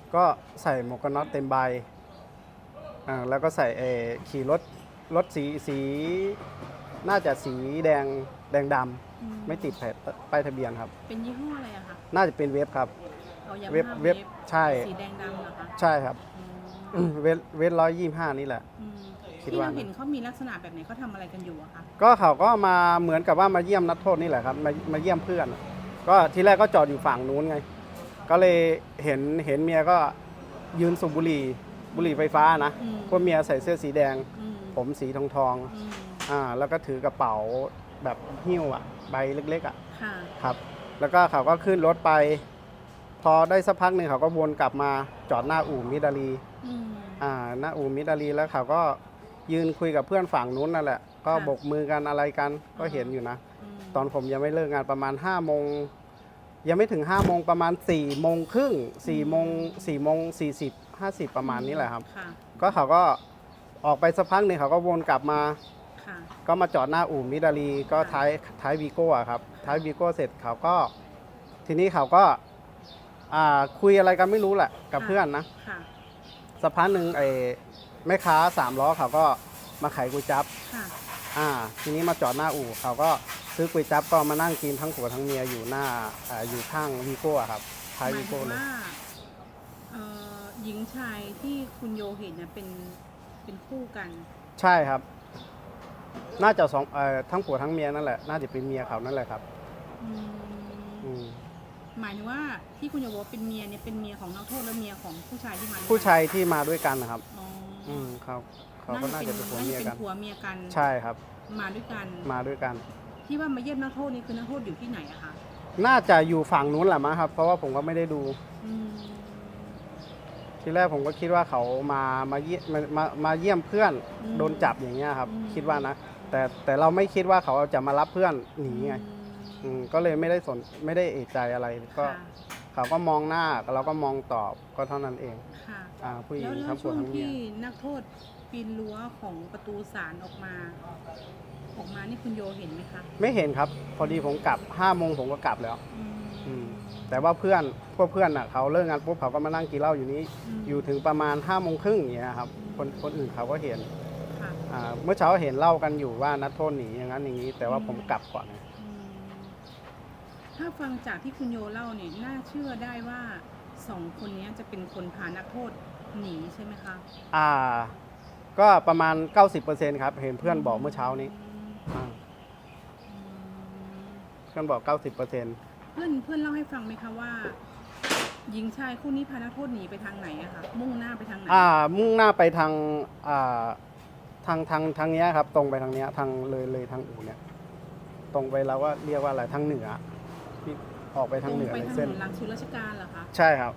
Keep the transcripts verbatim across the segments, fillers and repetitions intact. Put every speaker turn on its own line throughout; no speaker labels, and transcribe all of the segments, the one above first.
ก็ใส่หมวกกันน็อตเต็มใบอ่าแล้วก็ใส่เออขี่รถรถสีสีน่าจะสีแดงแดงด
อืม
ำไม่ติดแผ่นป้ายทะเบียนครับ
เป็นยี่ห้ออะไรอะคะ
น่าจะเป็นเว็บครับ
เอายา
เว็บ
มาฮ่า
เว็
เว็
บบ ใช่
สีแดงดำเหรอคะ
ใช่ครับ
อืม
เว็บเว็บร้อยยี่ห้านี่แหละ
อืม
คิด
ที่
ว่า
เราเห็นเขามีลักษณะแบบไหนเขาทำอะไรกันอยู่อะคะ
ก็เขาก็มาเหมือนกับว่ามาเยี่ยมนักโทษนี่แหละครับมามาเยี่ยมเพื่อน ก็ทีแรกก็จอดอยู่ฝั่งนู้นไง ก็เลยเห็นเห็นเมียก็ยืนสูบบุหรี่บุหรี่ไฟฟ้านะ
อืม
พวกเมียใส่เสื้อสีแดง
อืม
ผมสีทองทอง
อืม
ๆอ่าแล้วก็ถือกระเป๋าแบบหิ้วอ่ะใบเล็กๆอ่ะ
ค่ะ
ครับ แล้วก็เขาก็ขึ้นรถไป พอได้สักพักหนึ่งเขาก็วนกลับมาจอดหน้าอู่มิดาลี
อืม
อ่าหน้าอู่มิดาลีแล้วเขาก็ยืนคุยกับเพื่อนฝั่งนู้นนั่นแหละ ก็
ค่ะ
โบกมือกันอะไรกันก็เห็นอยู่นะ
ม
ตอนผมยังไม่เลิกงานประมาณห้าโมงยังไม่ถึงห้าโมงประมาณสี่โมงครึ่งสี่โมงสี่โมงสี่สิบห้าสิบประมาณนี้แหละครับ
ค่ะ
ก็เขาก็ออกไปสักพักหนึ่งเขาก็วนกลับมา
ค่ะ
ก็มาจอดหน้าอู่มิดาลีก็
ค่ะ
ท้ายท้ายวีโก้อะครับท้ายวีโก้เสร็จเขาก็ทีนี้เขาก็อ่าคุยอะไรกันไม่รู้แหละกับเพื่อนนะ
ค่ะ
สักพักหนึ่งไอ้แม่ค้าสามล้อเขาก็มาขายก๋วยจั๊บ
ค่ะ
อ่าทีนี้มาจอดหน้าอู่เขาก็ซื้อก๋วยจั๊บก็มานั่งกินทั้งผัวทั้งเมียอยู่หน้าอ่าอยู่ข้างวีโก้อะครับท้าย
หมา
วี
ยถึ
โก้
ง
เลย
ว่าเอ่อหญิงชายที่คุณโยเห็นเนี่ยเป็นเป็นคู่กัน
ใช่ครับ น่าจะสองเอ่อทั้งผัวทั้งเมียนั่นแหละน่าจะเป็นเมียเขานั่นแหละครับ
อืม
อืม
หมายถึงว่าที่คุณโยบอกว่าเป็นเมียเนี่ยเป็นเมียของนักโทษและเมียของผู้ชายที่มาด้วย
ผู้ชายที่มาด้วยกันนะครับ
อ๋ออ
อืมเขาเขาก็น่าจะเป็นผัว
น่า
เมี
จะ
ย
เป็
กัน
นผัวเมียกัน
ใช่ครับ
มาด้วยกัน
มาด้วยกัน
ที่ว่ามาเยี่ยมนักโทษนี่คือนักโทษอยู่ที่ไหนอะคะ
น่าจะอยู่ฝั่งนู้นแหละมั้งครับ เพราะว่าผมก็ไม่ได้ดู
อืม
ทีแรกผมก็คิดว่าเขามามาเยี่ยมมามามาเยี่ยมเพื่อน
อืม
โดนจับอย่างเงี้ยครับ
อืม
คิดว่านะ แต่แต่เราไม่คิดว่าเขาจะมารับเพื่อนหนีไง
อืม
อืมก็เลยไม่ได้สนไม่ได้เอะใจอะไรก็
ค่ะ
เขาก็มองหน้าเราก็มองตอบก็เท่านั้นเอง
ค่ะ
อ่าผู้หญิ
แล้
ง
วแล้
ทั้
ว
งผั
ช่
ว
วง
ทั้งเมีย
ที่นักโทษปีนรั้วของประตูศาลออกมา ออกมานี่คุณโยเห็นไหมคะ
ไม่เห็นครับ พอดีผมกลับห้าโมงผมก็กลับแล้ว
อืม
อืมแต่ว่าเพื่อนพวกเพื่อนอ่ะเขาเลิกงานปุ๊บเขาก็มานั่งกินเหล้าอยู่นี้
ม
อยู่ถึงประมาณห้าโมงครึ่งอย่างเงี้ยครับคนคนอื่นเขาก็เห็น
ค่ะ
อ่าเมื่อเช้าเห็นเล่ากันอยู่ว่านัดโทษหนีอย่างนั้นอย่างนี้ แต่ว่า
อืม
ผมกลับก่อนไง
อืมถ้าฟังจากที่คุณโยเล่าเนี่ยน่าเชื่อได้ว่าสองคนนี้จะเป็นคนพานักโทษหนีใช่ไหมคะ
อ่า ก็ประมาณ เก้าสิบเปอร์เซ็นต์ ครับ เห็นเพื่อนบอกเมื่อเช้านี้
อืม
อ่า
อืม
เพื่อนบอก เก้าสิบเปอร์เซ็นต์
เพื่อนเพื่อนเล่าให้ฟังไหมคะว่า หญิงชายคู่นี้พานักโทษหนีไปทางไหนอะคะมุ่งหน้าไปทางไหน
อ่า มุ่งหน้าไปทางอ่าทางทางทางเนี้ยครับ ตรงไปทางเนี้ยทางเลยเลยทางอู่เนี่ย ตรงไปเราก็เรียกว่าอะไรทางเหนือที่ออกไปทางเหนือ
ตรงไป
ใน
ทางถ
เส้น
นนลังชุราชการเหรอคะ
ใช่ครับ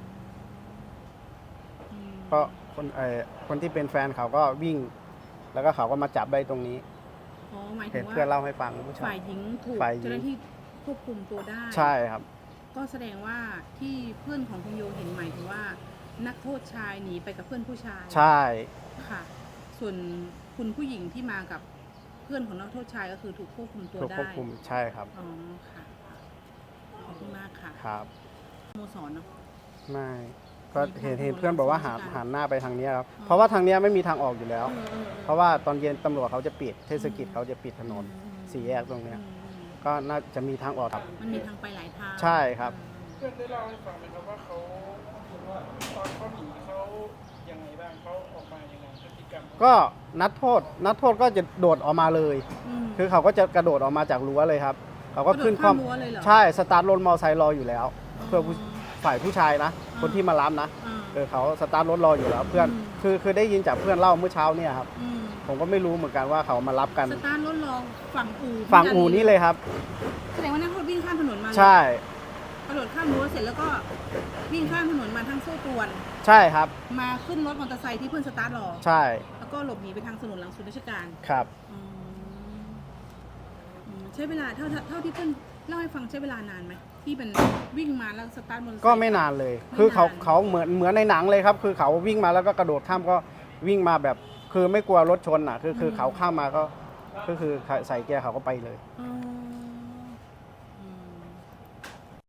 อืม
เพราะคนเออคนที่เป็นแฟนเขาก็วิ่ง แล้วก็เขาก็มาจับได้ตรงนี้
อ๋อหมายถึ
เห็น
งว่า
เพื่อนเล่าให้ฟังเมื่อเช้า
ฝ่ายหญิงถูก
ฝ่ายหญิง
เจ้าหน้าที่ควบคุมตัวได้
ใช่ครับ
ก็แสดงว่าที่เพื่อนของคุณโยเห็นหมายถึงว่า นักโทษชายหนีไปกับเพื่อนผู้ชาย
ใช่
ค่ะ ส่วนคุณผู้หญิงที่มากับเพื่อนของนักโทษชายก็คือถูกควบคุมตัว
ถูก
ได้
ควบคุมใช่ครับ
อ๋อค่ะขอบคุณมากค่ะ
ครับ
สโมสรเนาะ
ไม่ก็เห็น
มีทาง
เห็นเพื่อนบอกว่าหัน
ราชการ
หันหน้าไปทางเนี้ยครับ
อ๋อ
เพราะว่าทางเนี้ยไม่มีทางออกอยู่แล้ว
เออเออออ
เพราะว่าตอนเย็นตำรวจเขาจะปิดเทศกิจ
อืม
เขาจะปิดถนน
อืม
สี่แยกตรงเนี้ย
อืมอืม
ก็น่าจะมีทางออกครับ
มันมีทางไปหลายทาง
ใช่ครับ
เพื่อนได้เล่าให้ฟังไหมครับว่าเขาว่าตอนเขาหนีเขายังไงบ้างเขาออกมายังไงพฤติกรรมเขา
ก็นัดโทษ นัดโทษก็จะโดดออกมาเลย
อืม
คือเขาก็จะกระโดดออกมาจากรั้วเลยครับ เขาก็ขึ้น
กระโดดข้ามรั้วเลยเหรอ
ใช่สตาร์ทรถมอเตอร์ไซค์รออยู่แล้ว เพื่อผู้ฝ่ายผู้ชายนะ
อ่า
คนที่มารับนะ
อ่า
เออเขาสตาร์ทรถรออยู่แล้ว เพื่อน
อืม
คือคือได้ยินจากเพื่อนเล่าเมื่อเช้าเนี่ยครับ
อืม
ผมก็ไม่รู้เหมือนกันว่าเขามารับกัน
สตาร์ทรถรอฝั่งอู่
ฝั่งอู่นี้เลยครับ
แสดงว่านักโทษวิ่งข้ามถนนมาเลย
ใช่
กระโดดข้ามรั้วเสร็จแล้วก็วิ่งข้ามถนนมาทางโซ่ตรวน
ใช่ครับ
มาขึ้นรถมอเตอร์ไซค์ที่เพื่อนสตาร์ทรอ
ใช่
แล้วก็หลบหนีไปทางถนนหลังศูนย์ราชการ
ครับ
อืมอืมใช้เวลาเท่าเท่าเท่าที่เพื่อนเล่าให้ฟังใช้เวลานานไหมที่เป็นวิ่งมาแล้วสตาร์ทมอเตอร์ไซค์
ก็ไม่นานเลย
ไม่
คือเขา
นาน
เขาเหมือนเหมือนในหนังเลยครับ คือเขาวิ่งมาแล้วก็กระโดดข้ามก็วิ่งมาแบบ คือไม่กลัวรถชนอ่ะ คือคือเขาข้ามมาก็ก็คือใส่เกียร์เขาก็ไปเลย
อ๋อ